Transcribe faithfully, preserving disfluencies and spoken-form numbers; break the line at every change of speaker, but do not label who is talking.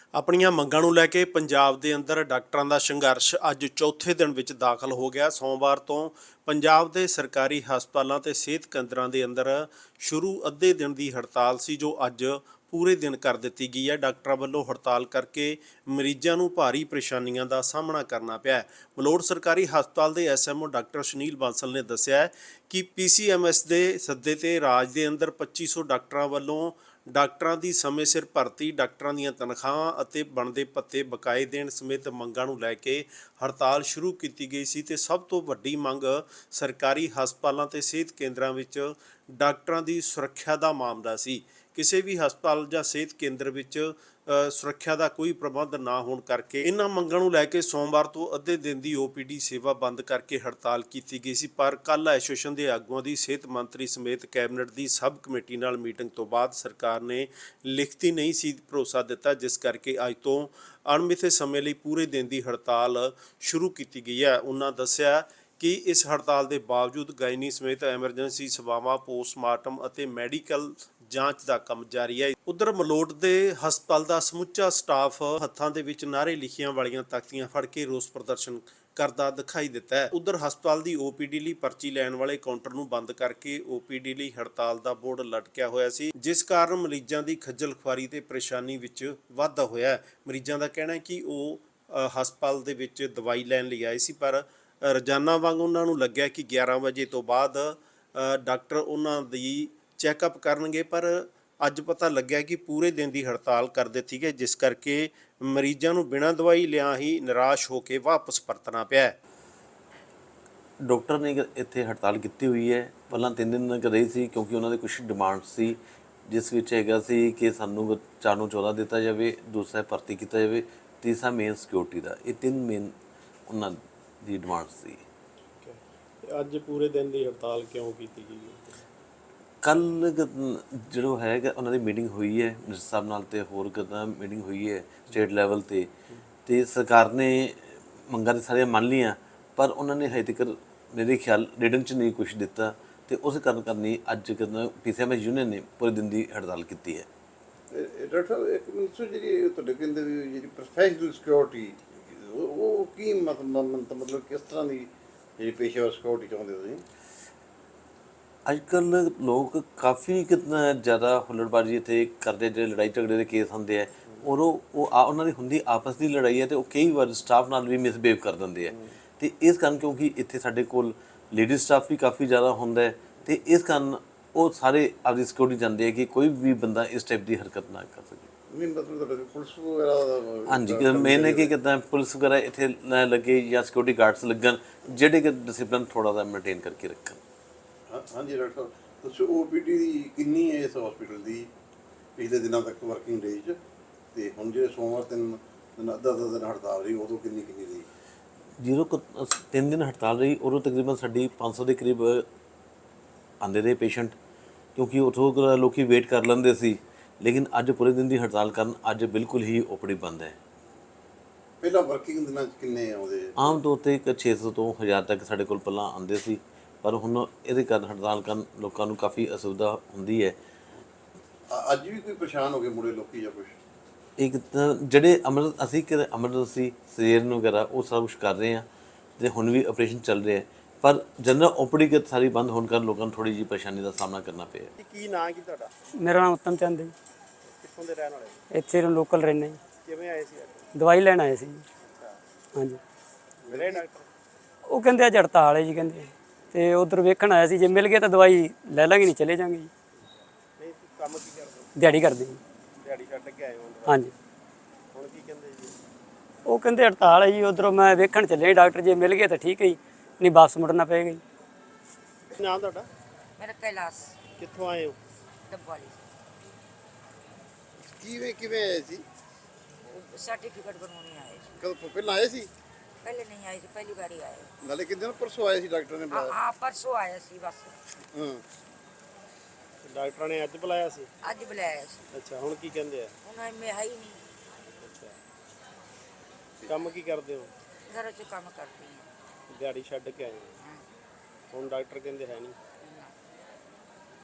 ਆਪਣੀਆਂ ਮੰਗਾਂ ਨੂੰ ਲੈ ਕੇ ਪੰਜਾਬ ਦੇ ਅੰਦਰ ਡਾਕਟਰਾਂ ਦਾ ਸੰਘਰਸ਼ ਅੱਜ ਚੌਥੇ ਦਿਨ ਵਿੱਚ ਦਾਖਲ ਹੋ ਗਿਆ। ਸੋਮਵਾਰ ਤੋਂ ਪੰਜਾਬ ਦੇ ਸਰਕਾਰੀ ਹਸਪਤਾਲਾਂ ਤੇ ਸਿਹਤ ਕੇਂਦਰਾਂ ਦੇ ਅੰਦਰ ਸ਼ੁਰੂ ਅੱਧੇ ਦਿਨ ਦੀ ਹੜਤਾਲ ਸੀ, ਜੋ ਅੱਜ ਪੂਰੇ ਦਿਨ ਕਰ ਦਿੱਤੀ ਗਈ ਹੈ। ਡਾਕਟਰਾਂ ਵੱਲੋਂ ਹੜਤਾਲ ਕਰਕੇ ਮਰੀਜ਼ਾਂ ਨੂੰ ਭਾਰੀ ਪਰੇਸ਼ਾਨੀਆਂ ਦਾ ਸਾਹਮਣਾ ਕਰਨਾ ਪਿਆ। ਮਲੋਟ ਸਰਕਾਰੀ ਹਸਪਤਾਲ ਦੇ S M O doctor Sunil Bansal ਨੇ ਦੱਸਿਆ ਕਿ ਪੀ ਸੀ ਐਮ ਐਸ ਦੇ ਸੱਦੇ ਤੇ ਰਾਜ ਦੇ ਅੰਦਰ ਪੱਚੀ ਸੌ ਡਾਕਟਰਾਂ ਵੱਲੋਂ ਡਾਕਟਰਾਂ ਦੀ ਸਮੇਂ ਸਿਰ ਭਰਤੀ, ਡਾਕਟਰਾਂ ਦੀਆਂ ਤਨਖਾਹਾਂ ਅਤੇ ਬਣਦੇ ਭੱਤੇ ਬਕਾਏ ਦੇਣ ਸਮੇਤ ਮੰਗਾਂ ਨੂੰ ਲੈ ਕੇ ਹੜਤਾਲ ਸ਼ੁਰੂ ਕੀਤੀ ਗਈ ਸੀ ਤੇ ਸਭ ਤੋਂ ਵੱਡੀ ਮੰਗ ਸਰਕਾਰੀ ਹਸਪਤਾਲਾਂ ਤੇ ਸਿਹਤ ਕੇਂਦਰਾਂ ਵਿੱਚ ਡਾਕਟਰਾਂ ਦੀ ਸੁਰੱਖਿਆ ਦਾ ਮਾਮਲਾ ਸੀ। ਕਿਸੇ ਵੀ ਹਸਪਤਾਲ ਜਾਂ ਸਿਹਤ ਕੇਂਦਰ ਵਿੱਚ ਸੁਰੱਖਿਆ ਦਾ ਕੋਈ ਪ੍ਰਬੰਧ ਨਾ ਹੋਣ ਕਰਕੇ ਇਹਨਾਂ ਮੰਗਾਂ ਨੂੰ ਲੈ ਕੇ ਸੋਮਵਾਰ ਤੋਂ ਅੱਧੇ ਦਿਨ ਦੀ ਓ ਪੀ ਡੀ ਸੇਵਾ ਬੰਦ ਕਰਕੇ ਹੜਤਾਲ ਕੀਤੀ ਗਈ ਸੀ। ਪਰ ਕੱਲ੍ਹ ਐਸੋਸੀਏਸ਼ਨ ਦੇ ਆਗੂਆਂ ਦੀ ਸਿਹਤ ਮੰਤਰੀ ਸਮੇਤ ਕੈਬਨਿਟ ਦੀ ਸਬ ਕਮੇਟੀ ਨਾਲ ਮੀਟਿੰਗ ਤੋਂ ਬਾਅਦ ਸਰਕਾਰ ਨੇ ਲਿਖਤੀ ਨਹੀਂ ਸੀ ਭਰੋਸਾ ਦਿੱਤਾ, ਜਿਸ ਕਰਕੇ ਅੱਜ ਤੋਂ ਅਣਮਿੱਥੇ ਸਮੇਂ ਲਈ ਪੂਰੇ ਦਿਨ ਦੀ ਹੜਤਾਲ ਸ਼ੁਰੂ ਕੀਤੀ ਗਈ ਹੈ। ਉਹਨਾਂ ਦੱਸਿਆ ਕਿ ਇਸ ਹੜਤਾਲ ਦੇ ਬਾਵਜੂਦ ਗਾਇਨੀ ਸਮੇਤ ਐਮਰਜੈਂਸੀ ਸੇਵਾਵਾਂ, ਪੋਸਟਮਾਰਟਮ ਅਤੇ ਮੈਡੀਕਲ ਜਾਂਚ ਦਾ ਕੰਮ ਜਾਰੀ ਹੈ। ਉਧਰ ਮਲੋਟ ਦੇ ਹਸਪਤਾਲ ਦਾ ਸਮੁੱਚਾ ਸਟਾਫ ਹੱਥਾਂ ਦੇ ਵਿੱਚ ਨਾਅਰੇ ਲਿਖੀਆਂ ਵਾਲੀਆਂ ਤਖਤੀਆਂ ਫੜ ਕੇ ਰੋਸ ਪ੍ਰਦਰਸ਼ਨ ਕਰਦਾ ਦਿਖਾਈ ਦਿੱਤਾ ਹੈ। ਉਧਰ ਹਸਪਤਾਲ ਦੀ ਓ ਪੀ ਡੀ ਲਈ ਪਰਚੀ ਲੈਣ ਵਾਲੇ ਕਾਊਂਟਰ ਨੂੰ ਬੰਦ ਕਰਕੇ ਓ ਪੀ ਡੀ ਲਈ ਹੜਤਾਲ ਦਾ ਬੋਰਡ ਲਟਕਿਆ ਹੋਇਆ ਸੀ, ਜਿਸ ਕਾਰਨ ਮਰੀਜ਼ਾਂ ਦੀ ਖੱਜਲ ਖੁਆਰੀ ਤੇ ਪਰੇਸ਼ਾਨੀ ਵਿੱਚ ਵਾਧਾ ਹੋਇਆ ਹੈ। ਮਰੀਜ਼ਾਂ ਦਾ ਕਹਿਣਾ ਹੈ ਕਿ ਉਹ ਹਸਪਤਾਲ ਦੇ ਵਿੱਚ ਦਵਾਈ ਲੈਣ ਲਈ ਆਏ ਸੀ, ਪਰ ਰੋਜ਼ਾਨਾ ਵਾਂਗ ਉਹਨਾਂ ਨੂੰ ਲੱਗਿਆ ਕਿ ਗਿਆਰਾਂ ਵਜੇ ਤੋਂ ਬਾਅਦ ਡਾਕਟਰ ਉਹਨਾਂ ਦੀ ਚੈੱਕਅਪ ਕਰਨਗੇ, ਪਰ ਅੱਜ ਪਤਾ ਲੱਗਿਆ ਕਿ ਪੂਰੇ ਦਿਨ ਦੀ ਹੜਤਾਲ ਕਰ ਦਿੱਤੀ ਗਈ, ਜਿਸ ਕਰਕੇ ਮਰੀਜ਼ਾਂ ਨੂੰ ਬਿਨਾਂ ਦਵਾਈ ਲਿਆ ਹੀ ਨਿਰਾਸ਼ ਹੋ ਕੇ ਵਾਪਸ ਪਰਤਣਾ ਪਿਆ।
ਡਾਕਟਰ ਨੇ ਇੱਥੇ ਹੜਤਾਲ ਕੀਤੀ ਹੋਈ ਹੈ। ਪਹਿਲਾਂ ਤਿੰਨ ਦਿਨ ਰਹੀ ਸੀ ਕਿਉਂਕਿ ਉਹਨਾਂ ਦੇ ਕੁਛ ਡਿਮਾਂਡ ਸੀ, ਜਿਸ ਵਿੱਚ ਹੈਗਾ ਸੀ ਕਿ ਸਾਨੂੰ ਚਾਰ ਨੂੰ ਚੌਦਾਂ ਦਿੱਤਾ ਜਾਵੇ, ਦੂਸਰਾ ਭਰਤੀ ਕੀਤਾ ਜਾਵੇ, ਤੀਸਰਾ ਮੇਨ ਸਿਕਿਉਰਿਟੀ ਦਾ। ਇਹ ਤਿੰਨ ਮੇਨ ਉਹਨਾਂ ਦੀ ਡਿਮਾਂਡ ਸੀ।
ਅੱਜ ਪੂਰੇ ਦਿਨ ਦੀ ਹੜਤਾਲ ਕਿਉਂ ਕੀਤੀ ਗਈ?
ਕੱਲ੍ਹ ਜਦੋਂ ਹੈ ਉਹਨਾਂ ਦੀ ਮੀਟਿੰਗ ਹੋਈ ਹੈ ਮਿਨਿਸਟਰ ਸਾਹਿਬ ਨਾਲ, ਅਤੇ ਹੋਰ ਕਿੱਦਾਂ ਮੀਟਿੰਗ ਹੋਈ ਹੈ ਸਟੇਟ ਲੈਵਲ 'ਤੇ ਅਤੇ ਸਰਕਾਰ ਨੇ ਮੰਗਾਂ ਤਾਂ ਸਾਰੀਆਂ ਮੰਨ ਲਈਆਂ, ਪਰ ਉਹਨਾਂ ਨੇ ਹਜੇ ਤੱਕ ਮੇਰੇ ਖਿਆਲ ਰਿਟਨ 'ਚ ਨਹੀਂ ਕੁਛ ਦਿੱਤਾ, ਅਤੇ ਉਸ ਕਾਰਨ ਕਰਨੀ ਅੱਜ ਕਹਿੰਦਾ P C M S union ਨੇ ਪੂਰੇ ਦਿਨ ਦੀ ਹੜਤਾਲ ਕੀਤੀ ਹੈ।
ਡਾਕਟਰ ਸਾਹਿਬ, ਇੱਕ ਮਿੰਟ, ਜਿਹੜੀ ਤੁਹਾਡੇ ਕਹਿੰਦੇ ਵੀ ਜਿਹੜੀ ਪ੍ਰੋਫੈਸ਼ਨਲ ਸਿਕਿਉਰਿਟੀ, ਉਹ ਕੀ ਮਤਲਬ ਮਤਲਬ ਕਿਸ ਤਰ੍ਹਾਂ ਦੀ ਜਿਹੜੀ ਪੇਸ਼ੇਵਰ ਸਿਕਿਉਰਿਟੀ ਚਾਹੁੰਦੇ ਹੋ ਤੁਸੀਂ? ਅੱਜ
ਕੱਲ੍ਹ ਲੋਕ ਕਾਫੀ ਕਿਤਨਾ ਜ਼ਿਆਦਾ ਹੁੱਲੜਬਾਜ਼ੀ ਇੱਥੇ ਕਰਦੇ, ਜਿਹੜੇ ਲੜਾਈ ਝਗੜੇ ਦੇ ਕੇਸ ਹੁੰਦੇ ਹੈ, ਔਰ ਉਹ ਉਹ ਆ ਉਹਨਾਂ ਦੀ ਹੁੰਦੀ ਆਪਸ ਦੀ ਲੜਾਈ ਹੈ, ਅਤੇ ਉਹ ਕਈ ਵਾਰ ਸਟਾਫ ਨਾਲ ਵੀ ਮਿਸਬਿਹੇਵ ਕਰ ਦਿੰਦੇ ਹੈ। ਅਤੇ ਇਸ ਕਾਰਨ ਕਿਉਂਕਿ ਇੱਥੇ ਸਾਡੇ ਕੋਲ ਲੇਡੀਜ਼ ਸਟਾਫ ਵੀ ਕਾਫੀ ਜ਼ਿਆਦਾ ਹੁੰਦਾ ਹੈ, ਅਤੇ ਇਸ ਕਾਰਨ ਉਹ ਸਾਰੇ ਆਪਦੀ ਸਿਕਿਉਰਿਟੀ ਚਾਹੁੰਦੇ ਹੈ ਕਿ ਕੋਈ ਵੀ ਬੰਦਾ ਇਸ ਟਾਈਪ ਦੀ ਹਰਕਤ ਨਾ ਕਰ ਸਕੇ।
ਪੁਲਿਸ ਵਗੈਰਾ? ਹਾਂਜੀ,
ਮੇਨ ਹੈ ਕਿ ਕਿੱਦਾਂ ਪੁਲਿਸ ਵਗੈਰਾ ਇੱਥੇ ਨਾ ਲੱਗੇ ਜਾਂ ਸਿਕਿਉਰਿਟੀ ਗਾਰਡਸ ਲੱਗਣ, ਜਿਹੜੇ ਕਿ ਡਿਸਿਪਲਿਨ ਥੋੜ੍ਹਾ ਜਿਹਾ ਮੇਨਟੇਨ ਕਰਕੇ ਰੱਖਣ।
ਹਾਂਜੀ ਡਾਕਟਰ ਸਾਹਿਬ, ਦੱਸੋ ਓ ਪੀ ਡੀ ਦੀ ਕਿੰਨੀ ਹੈ ਇਸ ਹਸਪੀਟਲ ਦੀ ਪਿਛਲੇ ਦਿਨਾਂ ਤੱਕ ਵਰਕਿੰਗ ਡੇਜ਼ 'ਚ, ਅਤੇ ਹੁਣ ਜਿਹੜੇ ਸੋਮਵਾਰ ਤਿੰਨ ਦਿਨ ਅੱਧਾ ਅੱਧਾ ਦਿਨ ਹੜਤਾਲ ਰਹੀ, ਉਦੋਂ ਕਿੰਨੀ ਕਿੰਨੀ ਰਹੀ?
ਜਦੋਂ ਤਿੰਨ ਦਿਨ ਹੜਤਾਲ ਰਹੀ ਉਦੋਂ ਤਕਰੀਬਨ ਸਾਡੀ ਪੰਜ ਸੌ ਦੇ ਕਰੀਬ ਆਉਂਦੇ ਰਹੇ ਪੇਸ਼ੈਂਟ, ਕਿਉਂਕਿ ਉੱਥੋਂ ਲੋਕ ਵੇਟ ਕਰ ਲੈਂਦੇ ਸੀ। ਲੇਕਿਨ ਅੱਜ ਪੂਰੇ ਦਿਨ ਦੀ ਹੜਤਾਲ ਕਾਰਨ ਅੱਜ ਬਿਲਕੁਲ ਹੀ ਓ ਪੀ ਡੀ ਬੰਦ ਹੈ।
ਪਹਿਲਾਂ ਵਰਕਿੰਗ ਦਿਨਾਂ 'ਚ ਕਿੰਨੇ ਆਉਂਦੇ?
ਆਮ ਤੌਰ 'ਤੇ ਇੱਕ ਛੇ ਸੌ ਤੋਂ ਹਜ਼ਾਰ ਤੱਕ ਸਾਡੇ ਕੋਲ ਪਹਿਲਾਂ ਆਉਂਦੇ ਸੀ, ਪਰ ਹੁਣ ਇਹਦੇ ਕਾਰਨ ਹੜਤਾਲ ਕਾਰਨ ਲੋਕਾਂ ਨੂੰ ਕਾਫੀ ਅਸੁਵਿਧਾ ਹੁੰਦੀ ਹੈ।
ਅੱਜ ਵੀ ਕੋਈ ਪਰੇਸ਼ਾਨ ਹੋ ਗਏ ਮੁੜੇ ਲੋਕੀ ਜਾਂ ਕੁਛ?
ਇੱਕ ਤਾਂ ਜਿਹੜੇ ਅਮਰ ਅਸੀਂ ਕਿ ਐਮਰਜੈਂਸੀ ਸਜੇਰਨ ਵਗੈਰਾ ਉਹ ਸਾਰਾ ਕੁਛ ਕਰ ਰਹੇ ਹਾਂ, ਅਤੇ ਹੁਣ ਵੀ ਆਪਰੇਸ਼ਨ ਚੱਲ ਰਿਹਾ, ਪਰ ਜਨਰਲ ਓ ਪੀ ਡੀ ਸਾਰੀ ਬੰਦ ਹੋਣ ਕਾਰਨ ਲੋਕਾਂ ਨੂੰ ਥੋੜ੍ਹੀ ਜਿਹੀ ਪਰੇਸ਼ਾਨੀ ਦਾ ਸਾਹਮਣਾ ਕਰਨਾ ਪਿਆ।
ਕੀ ਨਾਂ ਕੀ ਤੁਹਾਡਾ?
ਮੇਰਾ ਨਾਮ ਉੱਤਮ ਚੰਦ ਹੈ।
ਕਿੱਥੋਂ ਦੇ ਰਹਿਣ ਵਾਲੇ?
ਇੱਥੇ ਲੋਕਲ ਰਹਿੰਦੇ ਜੀ।
ਕਿਵੇਂ ਆਏ ਸੀ ਅੱਜ?
ਦਵਾਈ ਲੈਣ ਆਏ ਸੀ ਜੀ। ਹਾਂਜੀ,
ਮਿਲੇ ਡਾਕਟਰ?
ਉਹ ਕਹਿੰਦੇ ਅੱਜ ਹੜਤਾਲ ਹੈ ਜੀ, ਕਹਿੰਦੇ, ਅਤੇ ਉੱਧਰ ਵੇਖਣ ਆਇਆ ਸੀ, ਜੇ ਮਿਲ ਗਿਆ ਤਾਂ ਦਵਾਈ ਲੈ ਲਾਂਗੇ, ਨਹੀਂ ਚਲੇ ਜਾਂਗੇ ਜੀ।
ਨਹੀਂ, ਕੰਮ ਕੀ ਕਰਦੇ?
ਦਿਹਾੜੀ ਕਰਦੇ ਜੀ।
ਦਿਹਾੜੀ ਛੱਡ ਕੇ ਆਏ ਹੋ?
ਹਾਂਜੀ।
ਹੁਣ ਕੀ ਕਹਿੰਦੇ ਜੀ?
ਉਹ ਕਹਿੰਦੇ ਹੜਤਾਲ ਹੈ ਜੀ, ਉੱਧਰੋਂ ਮੈਂ ਵੇਖਣ ਚੱਲਿਆ ਡਾਕਟਰ, ਜੇ ਮਿਲ ਗਿਆ ਤਾਂ ਠੀਕ ਹੈ ਜੀ, ਨਹੀਂ ਵਾਪਸ ਮੁੜਨਾ ਪਏਗਾ ਜੀ।
ਕੀ ਨਾਮ ਤੁਹਾਡਾ?
ਮੇਰਾ ਕੈਲਾਸ਼।
ਕਿੱਥੋਂ ਆਏ ਹੋ?
ਡੱਬਵਾਲੀ।
ਕਿਵੇਂ ਕਿਵੇਂ ਆਏ ਸੀ?
ਸਰਟੀਫਿਕੇਟ ਬਣਵਾਉਣੀ ਆਏ ਸੀ।
ਕਦੋਂ ਪਹਿਲਾਂ ਆਏ ਸੀ?
ਪਹਿਲੇ ਨਹੀਂ ਆਏ ਸੀ, ਪਹਿਲੀ ਵਾਰੀ ਆਏ।
ਨਾਲੇ ਕਿੰਨੇ ਦਿਨ ਪਰਸੋਂ ਆਏ ਸੀ, ਡਾਕਟਰ ਨੇ ਬੁਲਾਇਆ?
ਹਾਂ, ਪਰਸੋਂ ਆਇਆ ਸੀ ਬਸ।
ਹਾਂ,
ਡਾਕਟਰਾਂ ਨੇ ਅੱਜ ਬੁਲਾਇਆ ਸੀ?
ਅੱਜ ਬੁਲਾਇਆ ਸੀ।
ਅੱਛਾ, ਹੁਣ ਕੀ ਕਹਿੰਦੇ ਆ?
ਹੁਣ ਮੈਂ ਹੈ ਹੀ ਨਹੀਂ।
ਅੱਛਾ, ਕੰਮ ਕੀ ਕਰਦੇ ਹੋ?
ਘਰ 'ਚ ਕੰਮ ਕਰਦੀ ਹਾਂ।
ਦਿਹਾੜੀ ਛੱਡ ਕੇ ਆਏ ਹੋ?
ਹਾਂ।
ਹੁਣ ਡਾਕਟਰ ਕਹਿੰਦੇ ਹੈ ਨਹੀਂ?